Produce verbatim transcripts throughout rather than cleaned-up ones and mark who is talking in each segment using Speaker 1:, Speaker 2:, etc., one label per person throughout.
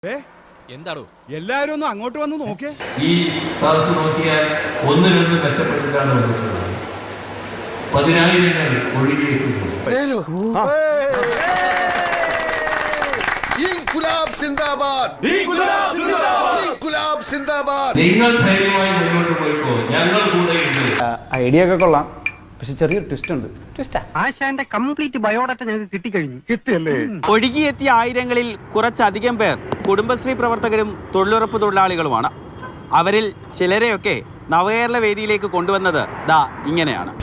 Speaker 1: എന്താണോ
Speaker 2: എല്ലാരും ഒന്ന് അങ്ങോട്ട് വന്ന് നോക്കേ.
Speaker 3: ഈ സദസ് നോക്കിയാൽ ഒന്നിനൊന്ന് മെച്ചപ്പെട്ടിട്ടാണ് വന്നിട്ടുള്ളത്. പതിനായിരങ്ങൾ ഒഴുകിയെത്തുന്നു. നിങ്ങൾ ധൈര്യമായി മുന്നോട്ട് പോയിക്കോ, ഞങ്ങൾ കൂടെയുണ്ട്.
Speaker 4: ഐഡിയ ഒക്കെ കൊള്ളാം, പക്ഷെ ചെറിയൊരു ട്വിസ്റ്റ് ഉണ്ട്.
Speaker 5: ആശാന്റെ കംപ്ലീറ്റ് ബയോഡാറ്റ ഞങ്ങൾക്ക് കിട്ടിക്കഴിഞ്ഞു. കിട്ടിയല്ലേ?
Speaker 6: ഒഴുകിയെത്തിയ ആയിരങ്ങളിൽ കുറച്ചധികം പേർ കുടുംബശ്രീ പ്രവർത്തകരും തൊഴിലുറപ്പ് തൊഴിലാളികളുമാണ്. അവരിൽ ചിലരെയൊക്കെ നവകേരള വേദിയിലേക്ക് കൊണ്ടുവന്നത് ദാ ഇങ്ങനെയാണ്.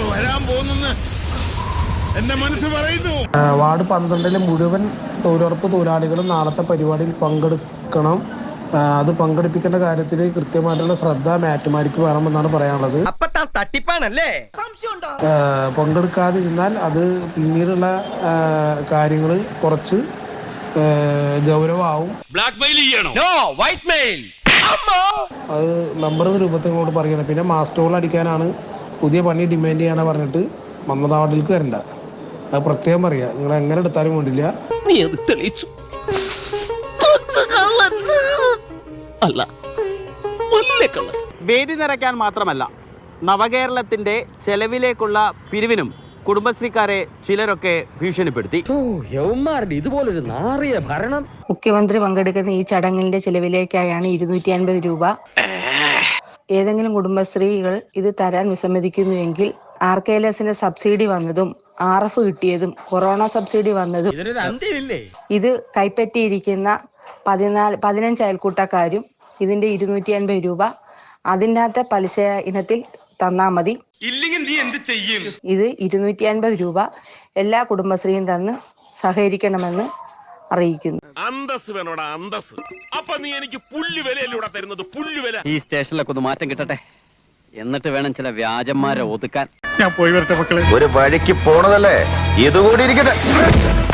Speaker 7: വാർഡ് പന്ത്രണ്ടിലെ മുഴുവൻ തൊഴിലുറപ്പ് തൊഴിലാളികളും നാളത്തെ പരിപാടിയിൽ പങ്കെടുക്കണം. അത് പങ്കെടുപ്പിക്കേണ്ട കാര്യത്തിൽ കൃത്യമായിട്ടുള്ള ശ്രദ്ധ മാറ്റുമാർക്ക് വേണമെന്നാണ് പറയാനുള്ളത്. പങ്കെടുക്കാതിരുന്നാൽ അത് പിന്നീടുള്ള കാര്യങ്ങൾ കുറച്ച് ഗൗരവമാവും. അത് നമ്പർ രൂപത്തിനോട് പറയണം. പിന്നെ മാസ്റ്റോൾ അടിക്കാനാണ് പുതിയ പണി ഡിമാൻഡ് ചെയ്യാനാണ് പറഞ്ഞിട്ട് മന്ത്രവാദികൾക്ക് വരണ്ട. അത് പ്രത്യേകം പറയാ, നിങ്ങൾ എങ്ങനെ എടുത്താലും വേണ്ടില്ല.
Speaker 6: വേദി നിറയ്ക്കാൻ മാത്രമല്ല, നവകേരളത്തിന്റെ ചെലവിലേക്കുള്ള പിരിവിനും കുടുംബശ്രീക്കാരെ ചിലരൊക്കെ ഭീഷണിപ്പെടുത്തി.
Speaker 5: ഇതുപോലൊരു നാറിയ ഭരണം.
Speaker 8: മുഖ്യമന്ത്രി പങ്കെടുക്കുന്ന ഈ ചടങ്ങിന്റെ ചെലവിലേക്കായാണ് ഇരുന്നൂറ്റി അൻപത് രൂപ. ഏതെങ്കിലും കുടുംബശ്രീകൾ ഇത് തരാൻ വിസമ്മതിക്കുന്നുവെങ്കിൽ ആർ കെ എൽ എസിന്റെ സബ്സിഡി വന്നതും ആർ എഫ് കിട്ടിയതും കൊറോണ സബ്സിഡി വന്നതും ഇത് കൈപ്പറ്റിയിരിക്കുന്ന പതിനാല് പതിനഞ്ച് അയൽക്കൂട്ടക്കാരും ഇതിന്റെ ഇരുന്നൂറ്റി അൻപത് രൂപ അതിൻ്റെ അകത്തെ പലിശ ഇനത്തിൽ തന്നാ മതി. ഇത് ഇരുന്നൂറ്റി അൻപത് രൂപ എല്ലാ കുടുംബശ്രീയും തന്ന് സഹകരിക്കണമെന്ന് അറിയിക്കുന്നു.
Speaker 1: അന്തസ് വേണോടാ, അന്തസ്. അപ്പൊ നീ എനിക്ക് പുല്ലുവിലൂടെ തരുന്നത് പുല്ലുവില.
Speaker 9: ഈ സ്റ്റേഷനിലൊക്കെ ഒന്ന് മാറ്റം കിട്ടട്ടെ, എന്നിട്ട് വേണം ചില വ്യാജന്മാരെ ഒതുക്കാൻ.
Speaker 5: ഞാൻ പോയി വരട്ടെ മക്കളെ.
Speaker 10: ഒരു വഴിക്ക് പോണതല്ലേ, ഇതുകൂടി ഇരിക്കട്ടെ.